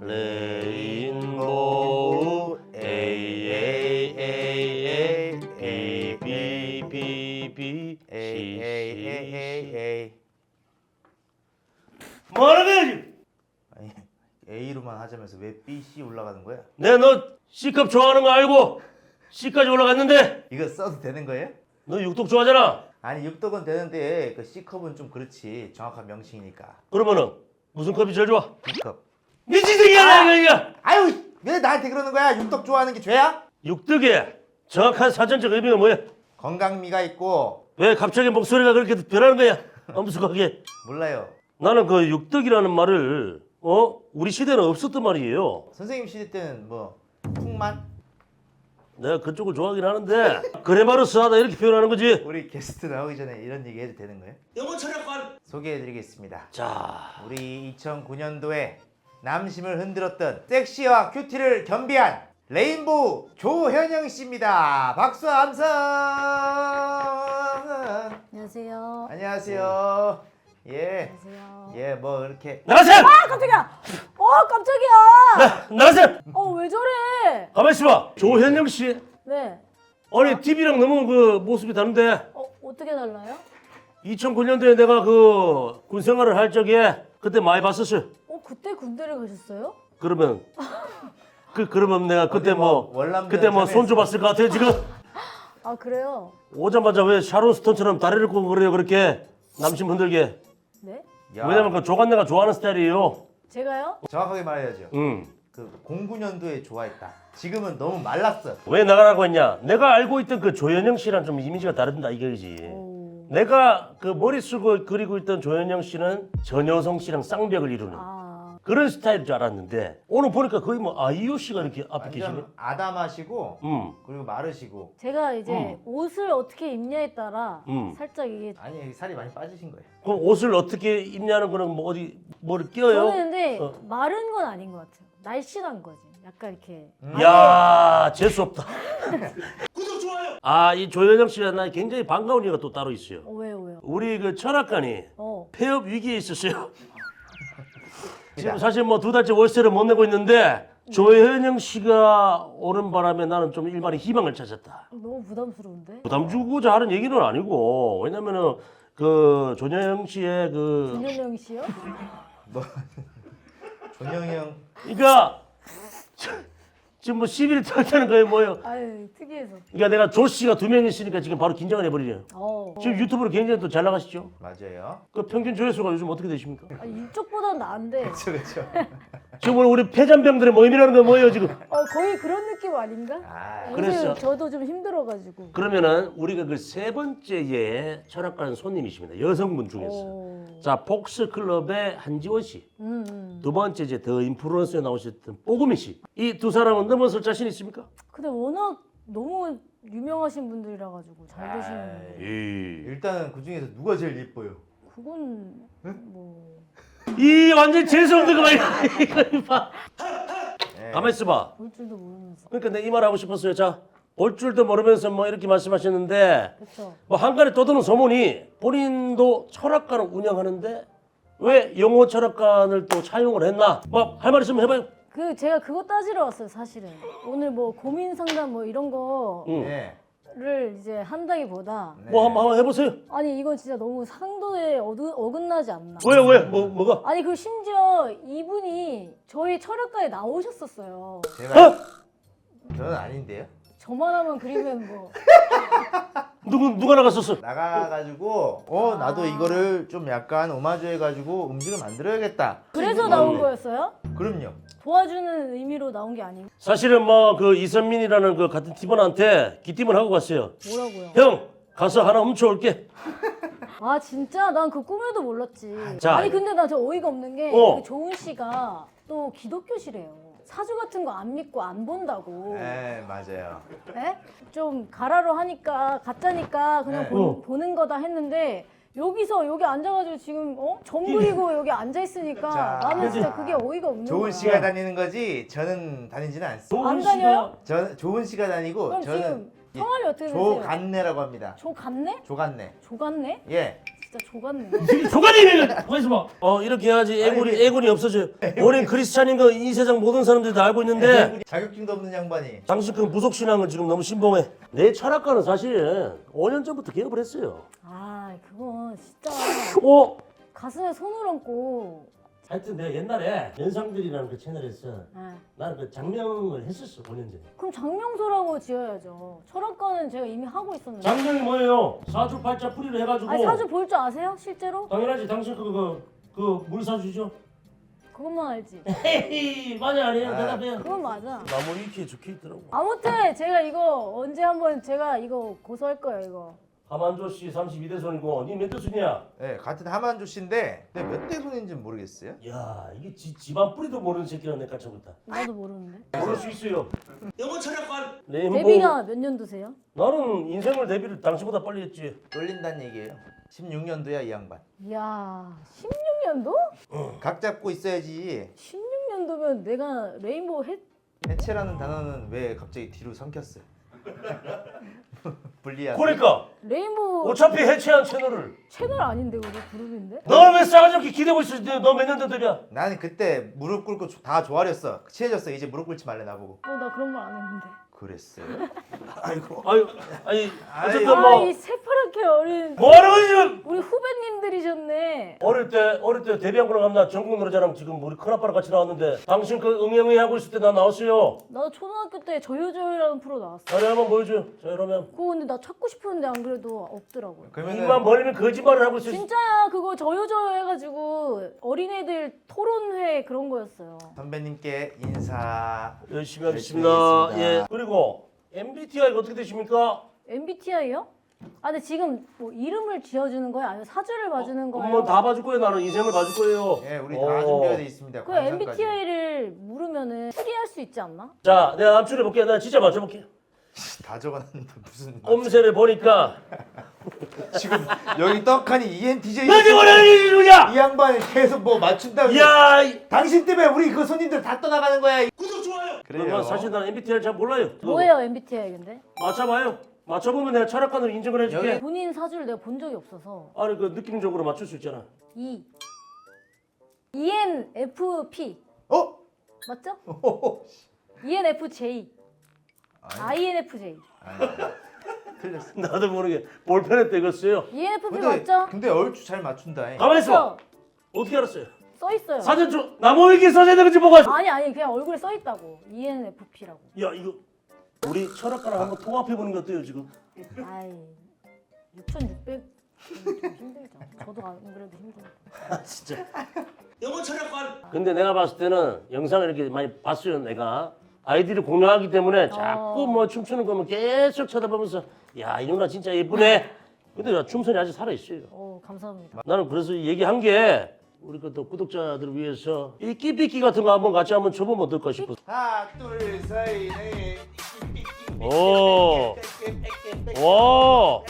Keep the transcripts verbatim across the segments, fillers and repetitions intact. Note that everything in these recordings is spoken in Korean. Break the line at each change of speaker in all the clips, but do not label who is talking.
레인보우 A A A A A B B B C C C 뭐하는 거야 지금?
아니 A로만 하자면서 왜 B, C 올라가는 거야?
내가 너 C컵 좋아하는 거 알고 C까지 올라갔는데
이거 써도 되는 거예요?
너 육독 좋아하잖아.
아니 육덕은 되는데 그 C컵은 좀 그렇지 정확한 명칭이니까.
그러면은 무슨 컵이 제일 좋아?
B컵.
미친새끼야 이거.
아유 왜 나한테 그러는 거야? 육덕 좋아하는 게 죄야?
육덕의 정확한 사전적 의미가 뭐야?
건강미가 있고.
왜 갑자기 목소리가 그렇게 변하는 거야? 엄숙하게.
몰라요.
나는 그 육덕이라는 말을 어 우리 시대는 없었단 말이에요.
선생님 시대 때는 뭐 풍만?
내가 그쪽을 좋아하긴 하는데 그래 말로 쓰하다 이렇게 표현하는 거지.
우리 게스트 나오기 전에 이런 얘기 해도 되는 거예요?
영어 철학관.
소개해드리겠습니다.
자,
우리 이천구 년도에 남심을 흔들었던 섹시와 큐티를 겸비한 레인보우 조현영 씨입니다. 박수 함성.
안녕하세요.
안녕하세요. 예.
안녕하세요.
예, 뭐 이렇게
나가세요.
아 깜짝이야. 어 깜짝이야.
나가세요.
어 왜 저래?
가만 있어봐. 조현영 씨.
네.
아니 티비랑 너무 그 모습이 다른데.
어 어떻게 달라요?
이천구 년도에 내가 그 군 생활을 할 적에 그때 많이 봤었어요.
어 그때 군대를 가셨어요?
그러면 그 그러면 내가 그때
어디 뭐
뭐
월남전
그때 뭐
참여했어?
손 줘봤을 것 같아요 지금.
아 그래요?
오자마자 왜 샤론 스톤처럼 다리를 꼬고 그래요 그렇게 남심 흔들게.
네?
야,
왜냐면 그 조간내가 좋아하는 스타일이에요.
제가요?
정확하게 말해야죠.
응.
그 공구 년도에 좋아했다. 지금은 너무 말랐어.
왜 나가라고 했냐? 내가 알고 있던 그 조현영 씨랑 좀 이미지가 다른다 이거지.
오.
내가 그 머리 쓰고 그리고 있던 조현영 씨는 전효성 씨랑 쌍벽을 이루는
아
그런 스타일인 줄 알았는데 오늘 보니까 거의 뭐 아이유 씨가 이렇게 앞에 계시네.
완전 아담하시고
음.
그리고 마르시고.
제가 이제
음.
옷을 어떻게 입냐에 따라
음.
살짝 이게
아니 살이 많이 빠지신 거예요.
그럼 옷을 어떻게 입냐는 거는 뭐 어디 뭐를 끼워요?
저는 근데
어.
마른 건 아닌 것 같아요. 날씬한 거지. 약간 이렇게
야 재수 없다. 구독 좋아요. 아 이 조현영 씨가 나 굉장히 반가운 이유가 또 따로 있어요.
어 왜요 왜요?
우리 그 철학관이
어
폐업 위기에 있었어요. 지금 사실 뭐 두 달째 월세를 못 내고 있는데 조현영 씨가 오는 바람에 나는 좀 일말의 희망을 찾았다.
너무 부담스러운데?
부담 주고자 하는 얘기는 아니고 왜냐면은 그 조현영 씨의 그
김현영 씨요?
존영이 형
그러니까 지금 뭐 시비를 털자는 거예요 뭐예요?
아유 특이해서.
그러니까 내가 조 씨가 두 명 있으니까 지금 바로 긴장을 해버리네요.
어.
지금 유튜브로 굉장히 또 잘 나가시죠?
맞아요.
그 평균 조회수가 요즘 어떻게 되십니까?
아, 이쪽보다는 나은데
그렇죠, 그렇죠.
지금 오늘 우리 폐잔병들의 모임이라는 건 뭐예요 지금?
어 거의 그런 느낌 아닌가?
아,
요새
그랬어.
저도 좀 힘들어가지고.
그러면은 우리가 그 세 번째의 철학관 손님이십니다. 여성분 중에서.
오.
자 폭스 클럽의 한지원 씨.
음, 음.
두 번째 이제 더 인플루언서에 나오셨던 뽀구미 씨. 이 두 사람은 넘어설 자신 있습니까?
근데 워낙 너무 유명하신 분들이라 가지고 잘 되시는
아이.
분들.
이,
일단 그 중에서 누가 제일 예뻐요?
그건 뭐
이 완전 재수없는 거 봐. 이거 봐.
네.
가만 있어봐.
볼 줄도 모르면서.
그러니까 내가 이 말 하고 싶었어요. 자, 볼 줄도 모르면서 뭐 이렇게 말씀하셨는데
그렇죠.
뭐 한간에 떠도는 소문이 본인도 철학관을 운영하는데 왜 영어 철학관을 또 차용을 했나? 뭐 할 말 있으면 해봐요.
그 제가 그거 따지러 왔어요 사실은. 오늘 뭐 고민 상담 뭐 이런 거를
응.
네.
이제 한다기보다
네.
뭐 한번 한번 해보세요.
아니 이건 진짜 너무 상도에 어두, 어긋나지 않나.
왜요 왜? 뭐 뭐가?
아니 그 심지어 이분이 저희 철학과에 나오셨었어요.
제가
어?
저는 아닌데요.
저만 하면 그리면 뭐
누구 누가 나갔었어?
나가가지고 어 나도 이거를 좀 약간 오마주해가지고 음식을 만들어야겠다.
그래서 나온 거였어요?
그럼요.
도와주는 의미로 나온 게 아니고
사실은 뭐 그 이선민이라는 그 같은 팀원한테 기팀을 하고 갔어요.
뭐라고요?
형 가서 하나 훔쳐올게.
아 진짜 난 그 꿈에도 몰랐지.
자.
아니 근데 나 저 어이가 없는 게
어.
그 조은 씨가 또 기독교시래요. 사주 같은 거 안 믿고 안 본다고.
네 맞아요.
에? 좀 가라로 하니까 가짜니까 그냥
네.
보,
어.
보는 거다 했는데 여기서 여기 앉아가지고 지금 어? 정글이고 여기 앉아 있으니까
자.
나는 진짜 그게 어이가 없는
조은
거야.
씨가 다니는 거지 저는 다니지는 않습니다.
안 다녀요?
저는 조은 씨가 다니고
그럼
저는
지금 성함이 어떻게 되세요?
조간내라고 합니다.
조 같네?
조간내.
조 같네?
예.
진짜 족같네.
조간이면 가만있어 봐. 어 이렇게 해야지 애군이 애군이 없어져요. 원인 크리스찬인 거 이 세상 모든 사람들이 다 알고 있는데
자격증도 없는 양반이.
당신 그 무속 신앙은 지금 너무 신봉해. 내 철학과는 사실 오 년 전부터 개업을 했어요.
아 그건 진짜
어?
가슴에 손을 얹고.
하여튼 내가 옛날에 연상들이라는 그 채널에서
아,
나는 그 장명을 했었어 오 년 전에.
그럼 장명소라고 지어야죠. 철학과는 제가 이미 하고 있었는데.
장명이 뭐예요? 사주팔자 풀이를 해가지고.
아니 사주 볼 줄 아세요? 실제로?
당연하지. 당신 그거 그 물사주죠?
그것만 알지.
헤이 맞아 아니에요?
아.
대답해요.
그건 맞아.
나무 위키에 적혀 있더라고.
아무튼 제가 이거 언제 한번 제가 이거 고소할 거예요 이거.
하만조 씨 삼십이 대 손이고 니 몇 대 손이야?
네, 같은 하만조 씨인데 몇 대 손인지는 모르겠어요.
야 이게 지, 집안 뿌리도 모르는 새끼가 내 깜짝이다.
나도 모르는데.
모를 수 있어요. 영어 철학관. 레인보우.
데뷔가 몇 년도세요?
나는 인생을 데뷔를 당신보다 빨리 했지.
쫄린다는 얘기예요. 십육 년도야 이 양반.
이야 십육 년도?
각 잡고 있어야지.
십육 년도면 내가 레인보우 해
해체라는 단어는 왜 갑자기 뒤로 삼켰어요? 불리하게.
그러니까
레인보우
어차피 해체한 채널을
채널 아닌데 그거 그룹인데?
너 왜 싸가지 없게 기대고 있어? 너 몇 년 된 데뷔야?
나는 그때 무릎 꿇고 조- 다 조아렸어. 친해졌어. 이제 무릎 꿇지 말래 나보고.
어 나 그런 말 안 했는데.
그랬어요?
아이고 아유 아니 어쨌든
아
뭐
이 새파랗게 어린
뭐 하는 거지 지금?
우리 후배님들이셨네.
어릴 때 어릴 때 데뷔한 거랑 나 전국 노래자랑 지금 우리 큰아빠랑 같이 나왔는데 당신 그 응애응애 하고 있을 때 나 나왔어요.
나도 초등학교 때 저요저요라는 프로 나왔어.
자리 한번 보여줘. 자 이러면
그거 근데 나 찾고 싶었는데 안 그래도 없더라고요.
입만
그러면은
벌리면 거짓말을 하고 있어.
진짜야 그거 저요저요 해가지고 어린애들 토론회 그런 거였어요.
선배님께 인사.
열심히
열심히
하겠습니다.
하겠습니다.
예. 그리고 엠비티아이가 어떻게 되십니까?
엠비티아이요? 아 근데 지금 뭐 이름을 지어주는 거예요? 아니면 사주를 봐주는 거예요?
한번 다 봐줄 거예요. 나는 인생을 봐줄 거예요.
예, 우리
어.
다 준비가 돼 있습니다.
그
관상까지.
엠비티아이를 물으면은 추리할 수 있지 않나?
자, 내가 남출해 볼게. 내가 진짜 맞춰볼게.
다 적어놨는데 무슨
꼼새를 보니까
지금 여기 떡하니 이엔티제이
너지 뭐라니 누구냐?
이 양반이 계속 뭐 맞춘다고.
야, 이-
당신 때문에 우리 그 손님들 다 떠나가는 거야.
구독 좋아요.
그래요.
그래요. 사실 나는 엠비티아이를 잘 몰라요.
뭐예요 엠비티아이 근데?
맞춰봐요. 맞춰보면 내가 철학관으로 인정을 해줄게.
여기-
본인 사주를 내가 본 적이 없어서
아니 그 느낌적으로 맞출 수 있잖아.
E 이엔에프피
어?
맞죠?
호호호.
이엔에프제이
아니,
아이엔에프제이
아니, 틀렸어.
나도 모르게 볼펜에 떼었어요.
이엔에프피
근데
맞죠?
근데 얼추 잘 맞춘다.
가만히 있어.
맞죠?
어떻게 알았어요?
써 있어요.
사전 좀 나무 위키에 써져 있는 건지 보고.
아니 아니 그냥 얼굴에 써 있다고 이엔에프피라고.
야 이거 우리 철학가랑 한번 통합해 보는 게 어때요 지금?
아이 육천육백 좀 힘들죠. 저도 안 그래도 힘들고.
아 진짜. 영어 철학관. 근데 내가 봤을 때는 영상을 이렇게 많이 봤어요. 내가 아이들이 공유하기 때문에 자꾸
어.
뭐 춤추는 거면 계속 쳐다보면서 야 이 누나 진짜 예쁘네. 근데 야, 춤선이 아직 살아 있어요.
어 감사합니다.
나는 그래서 얘기한 게 우리 그 또 구독자들을 위해서 이 끼삐끼 같은 거 한번 같이 한번 쳐보면 어떨까 싶어.
하나, 둘, 셋, 넷.
오. 와.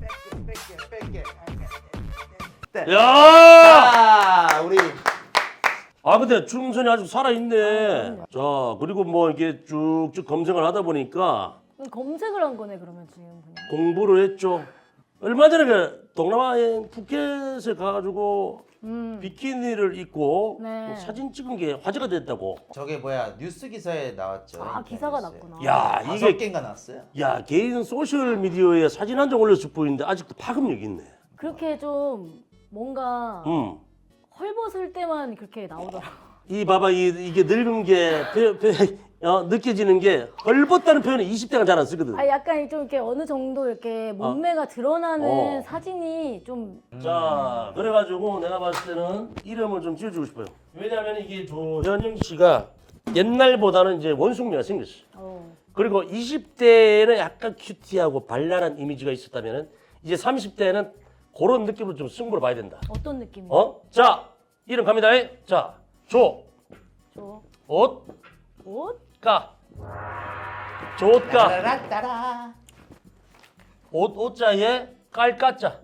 야.
자, 우리
아 근데 춤선이 아직 살아 있네. 자 그리고 뭐 이렇게 쭉쭉 검색을 하다 보니까
검색을 한 거네 그러면 지금 그냥.
공부를 했죠. 얼마 전에 그 동남아에 푸켓에 가가지고
음.
비키니를 입고
네.
뭐 사진 찍은 게 화제가 됐다고.
저게 뭐야 뉴스 기사에 나왔죠.
아 기사가 났구나.
야
다섯
이게
개인가 나왔어요.
야 개인 소셜 미디어에 사진 한 장 올렸을 뿐인데 아직도 파급력이 있네.
그렇게 좀 뭔가
음.
헐벗을 때만 그렇게 나오더라고.
이 봐봐 이, 이게 늙은 게 표, 표, 어, 느껴지는 게 헐벗다는 표현을 이십 대가 잘 안 쓰거든.
아 약간 좀 이렇게 어느 정도 이렇게 몸매가 드러나는
어.
사진이 좀
자 그래가지고 내가 봤을 때는 이름을 좀 지어주고 싶어요. 왜냐하면 이게 조현영 씨가 옛날보다는 이제 원숭미가 생겼어.
어.
그리고 이십 대에는 약간 큐티하고 발랄한 이미지가 있었다면 이제 삼십 대에는 그런 느낌으로 좀 승부를 봐야 된다.
어떤 느낌이야?
어? 자 이름 갑니다. 자 조,
저
옷,
옷?
가, 조옷가,
따라따라.
옷 옷자에 깔까자.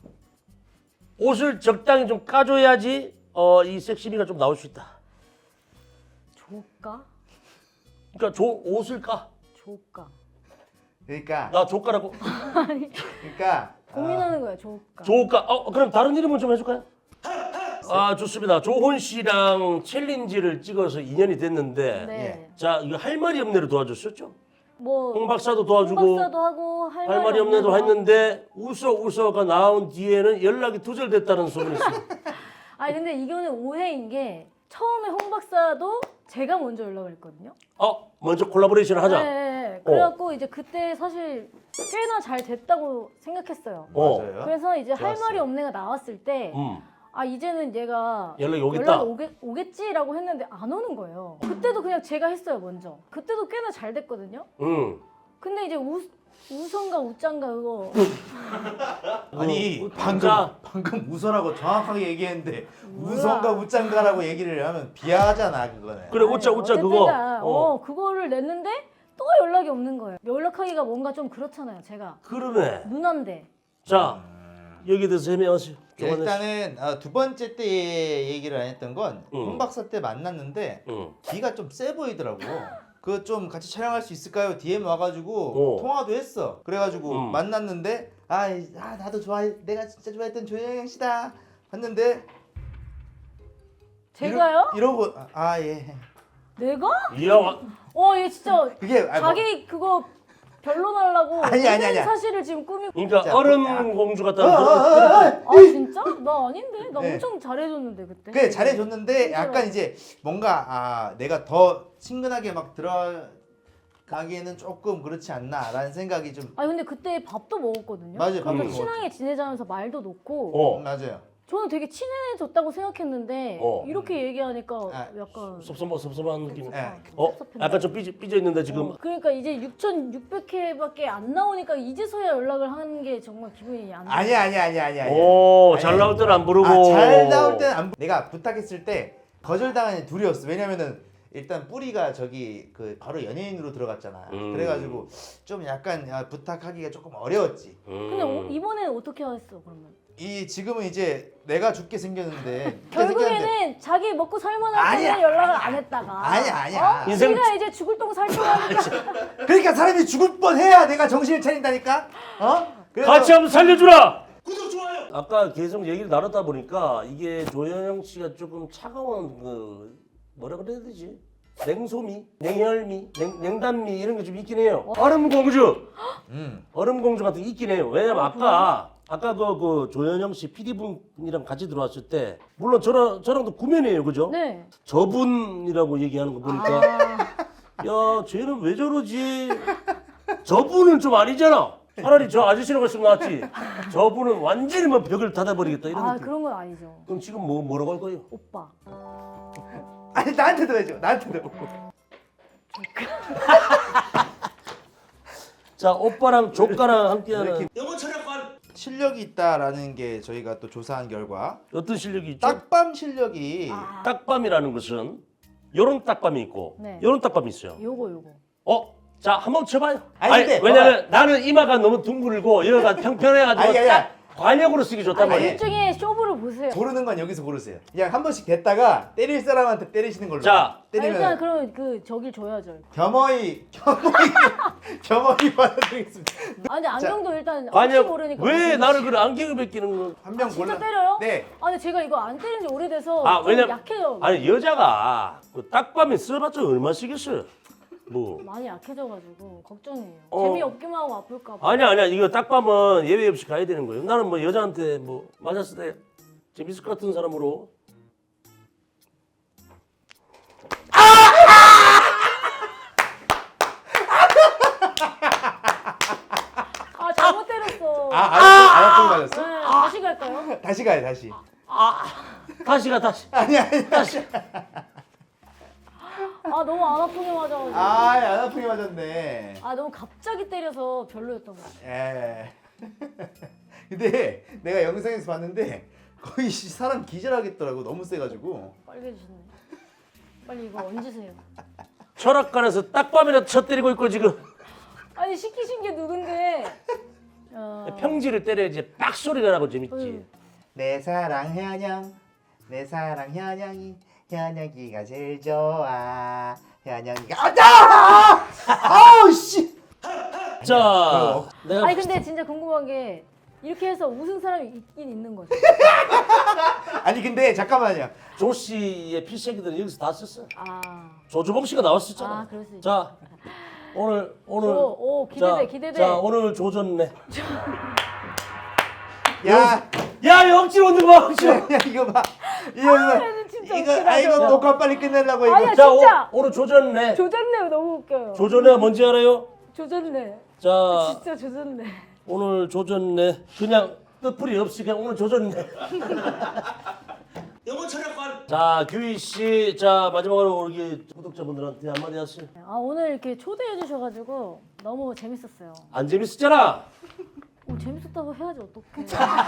옷을 적당히 좀 까줘야지 어, 이 섹시미가 좀 나올 수 있다.
조가?
그러니까 조 옷을 까.
조가.
그러니까
나 조가라고.
그러니까
고민하는 거야 조가.
조가. 어 그럼 다른 이름은 좀 해줄까요? 아 좋습니다. 조혼 씨랑 챌린지를 찍어서 이 년이 됐는데,
네.
자 이거 할 말이 없네를 도와줬었죠.
뭐
홍 박사도 도와주고
홍 박사도 하고 할,
할 말이 없네도 했는데 웃어 웃어가 나온 뒤에는 연락이 두절됐다는 소문이 있어요.
아니 근데 이거는 오해인 게 처음에 홍 박사도 제가 먼저 연락을 했거든요.
어 먼저 콜라보레이션 하자.
네, 네. 그래갖고 이제 그때 사실 꽤나 잘 됐다고 생각했어요.
어.
맞아요.
그래서 이제 할
좋았어요.
말이 없네가 나왔을 때
음.
아 이제는 얘가
연락이 오겠다.
연락이 오겠, 오겠지라고 했는데 안 오는 거예요. 그때도 그냥 제가 했어요 먼저. 그때도 꽤나 잘 됐거든요.
음.
근데 이제 우, 우선가 우짠가 그거
아니
뭐,
방금
진짜.
방금 우선하고 정확하게 얘기했는데
몰라.
우선가 우짠가라고 얘기를 하면 비하하잖아 그거는.
그래 웃자
아니,
웃자 그거.
어쨌든가,
어.
어 그거를 냈는데 또 연락이 없는 거예요. 연락하기가 뭔가 좀 그렇잖아요 제가
그러네.
누난데.
자 여기 대해서 해명하세요. 조만에.
일단은 어, 두 번째 때 얘기를 안 했던 건
응.
홍 박사 때 만났는데
응.
기가 좀 세 보이더라고. 그 좀 같이 촬영할 수 있을까요? 디엠 와가지고
어.
통화도 했어. 그래가지고
음.
만났는데 아, 이- 아 나도 좋아해 내가 진짜 좋아했던 조영영 씨다. 봤는데
제가요?
이러, 이러고 아, 아 예.
내가?
이야 와-
어얘 진짜
그게 아니, 뭐,
자기 그거 변론하려고
아니, 아니,
모든
아니야.
사실을 지금 꾸미고.
그러니까
진짜,
얼음
야.
공주
어, 어,
같다는 그런.
어, 어.
아 진짜? 나 아닌데? 나
네.
엄청 잘해줬는데 그때.
그래 잘해줬는데
진짜로.
약간 이제 뭔가 아 내가 더 친근하게 막 들어가기에는 조금 그렇지 않나라는 생각이 좀
아니 근데 그때 밥도 먹었거든요.
맞아요, 밥도
그래서
먹었지.
친하게 지내자면서 말도 놓고.
어.
맞아요.
저는 되게 친해졌다고 생각했는데
어.
이렇게 얘기하니까
아,
약간
섭섭한 섭섭한 느낌.
네.
어?
섭섭했나?
약간 좀 삐져, 삐져 있는데 지금.
어, 그러니까 이제 육천육백 회밖에 안 나오니까 이제서야 연락을 하는 게 정말 기분이 안 좋아.
아니야 아니야 아니야 아니야. 아니야.
오,
아니,
잘 나올 때는 안 부르고.
아, 잘 나올 때는 안 부- 내가 부탁했을 때 거절당한 애 둘이었어. 왜냐면은 일단 뿌리가 저기 그 바로 연예인으로 들어갔잖아.
음.
그래가지고 좀 약간 야, 부탁하기가 조금 어려웠지.
음.
근데 오- 이번에는 어떻게 했어 그러면?
이 지금은 이제 내가 죽게 생겼는데 죽게 생겼는데
결국에는 자기 먹고 살만할
아니야.
때는 연락을 안 했다가
아니야, 아니야.
어?
인생-
지가 이제 죽을 똥 살 뻔하니까
그러니까 사람이 죽을 뻔해야 내가 정신을 차린다니까. 어? 그래서
같이 한번 살려주라. 구독 좋아요. 아까 계속 얘기를 나눴다 보니까 이게 조현영 씨가 조금 차가운 그 뭐라 그래야 되지? 냉소미, 냉혈미, 냉, 냉단미 이런 게 좀 있긴 해요. 얼음 공주,
음.
얼음 공주 같은 게 있긴 해요. 왜냐면 아까 아까 그, 그 조현영 씨 피디 분이랑 같이 들어왔을 때 물론 저랑 저랑도 구면이에요, 그죠?
네.
저분이라고 얘기하는 거 보니까
아,
야, 쟤는 왜 저러지? 저분은 좀 아니잖아. 차라리 저 아저씨라고 했으면 낫지. 저분은 완전히 뭐 벽을 닫아버리겠다 이런
아
느낌.
그런 건 아니죠.
그럼 지금 뭐 뭐라고 할 거예요?
오빠.
아니 나한테도 해줘. 나한테도.
자, 오빠랑 조카랑 함께하는
이렇게-
영어 철학관.
실력이 있다라는 게 저희가 또 조사한 결과
어떤 실력이 있죠?
딱밤 실력이
아,
딱밤이라는 것은 요런 딱밤이 있고
네.
요런 딱밤이 있어요.
요거 요거.
어? 자, 한번 쳐봐요.
아니,
아니,
근데
왜냐면 나는 이마가 너무 둥글고 여기가 평평해가지고
아니, 아니,
딱 관역으로 쓰기 좋단
아니
말이에요.
일종의 쇼부를 보세요.
고르는 건 여기서 고르세요. 그냥 한 번씩 됐다가 때릴 사람한테 때리시는 걸로.
자.
아,
때리면
일단 그럼 그 저길 줘야죠.
겸허히 겸허히 겸허히 받아드리겠습니다.
아 근데 안경도 일단 혹시
관역
모르니까.
왜
무슨-
나를 그래 안경을 벗기는 거?
한 명
진짜
골라.
때려요?
네.
아 근데 제가 이거 안 때린 지 오래돼서
아,
좀
왜냐면
약해요.
아니 여자가 그 딱밤에 써봤자 얼마 쓰겠어요? 뭐
많이 약해져가지고 걱정이에요.
어.
재미없기만 하고 아플까 봐.
아니야 아니야 이거 딱밤은 예외 없이 가야 되는 거예요. 나는 뭐 여자한테 뭐 맞았을 때 재밌을 것 같은 사람으로
아 잘못 때렸어.
아, 안 아프게 맞았어?
네, 다시 갈까요?
다시 가요, 다시.
다시 가 다시
아니 아니 다시.
아 너무 안 아프게 맞아가지고.
아, 안 아프게 맞았네.
아 너무 갑자기 때려서 별로였던 것 같아.
예. 근데 내가 영상에서 봤는데 거의 씨, 사람 기절하겠더라고. 너무 세가지고.
빨개지시네. 빨리 이거 얹으세요.
철학관에서 딱밤이라도 쳐 때리고 있고 지금
아니 시키신 게 누군데? 어...
평지를 때려야지 빡 소리가 나고 재밌지.
음.
내 사랑 현영, 내 사랑 현영이 현영이가 제일 좋아. 현영이가 아자! 아우 씨.
자 내가
아니 근데 진짜 궁금한 게 이렇게 해서 웃은 사람이 있긴 있는 거죠.
아니 근데 잠깐만요.
조 씨의 필살기들은 여기서 다 썼어.
아,
조주범 씨가 나왔었잖아.
아 그럴 수 있죠.
자 오늘 오늘
오, 오 기대돼
자,
기대돼.
자 오늘 조졌네.
야,
야 영질 오는 거 봐. 영질.
야 이거 봐. 이거 봐.
얘는 진짜
이거
웃기다,
아 이거
저거.
녹화 빨리 끝내려고 이거.
아니야
자
진짜.
오, 오늘 조졌네.
조졌네 너무 웃겨요.
조졌네가 뭔지 알아요?
조졌네.
자
진짜 조졌네.
오늘 조졌네. 그냥 뜻풀이 없이 그냥 오늘 조졌네. 영어 철학관. 자 규희 씨, 자 마지막으로 우리 구독자분들한테 한마디 하세요.
아 오늘 이렇게 초대해 주셔가지고 너무 재밌었어요.
안 재밌었잖아.
오, 재밌었다고 해야지 어떡해.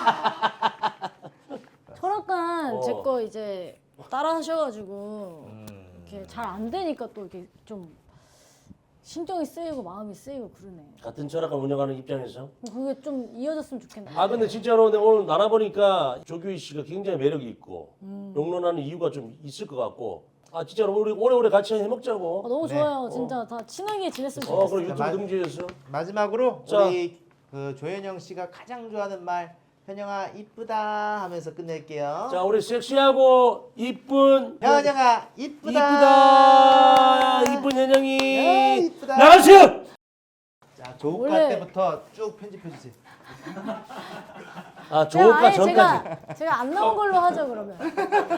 철학관
어.
제 거 이제 따라 하셔가지고 이렇게 잘 안 되니까 또 이렇게 좀 신경이 쓰이고 마음이 쓰이고 그러네.
같은 철학관 운영하는 입장에서.
뭐 그게 좀 이어졌으면 좋겠네.
아 근데 진짜로 근데 오늘 나눠보니까 조규희 씨가 굉장히 매력이 있고
음.
용론하는 이유가 좀 있을 것 같고 아 진짜로 우리 오래오래 같이 해먹자고.
아, 너무
네.
좋아요. 진짜 다 친하게 지냈으면
어
좋겠어요.
그리고
자,
유튜브
마-
등지에서
마지막으로
자.
우리 그 조현영 씨가 가장 좋아하는 말 현영아 이쁘다 하면서 끝낼게요.
자 우리 섹시하고 이쁜
현영아 이쁘다.
이쁘다 이쁜
야,
현영이
이쁘다.
나가세요.
자 조우과
원래-
때부터 쭉 편집해 주세요.
아
제가
조우과
아예
전까지.
제가 제가 안 나온 걸로 하죠 그러면.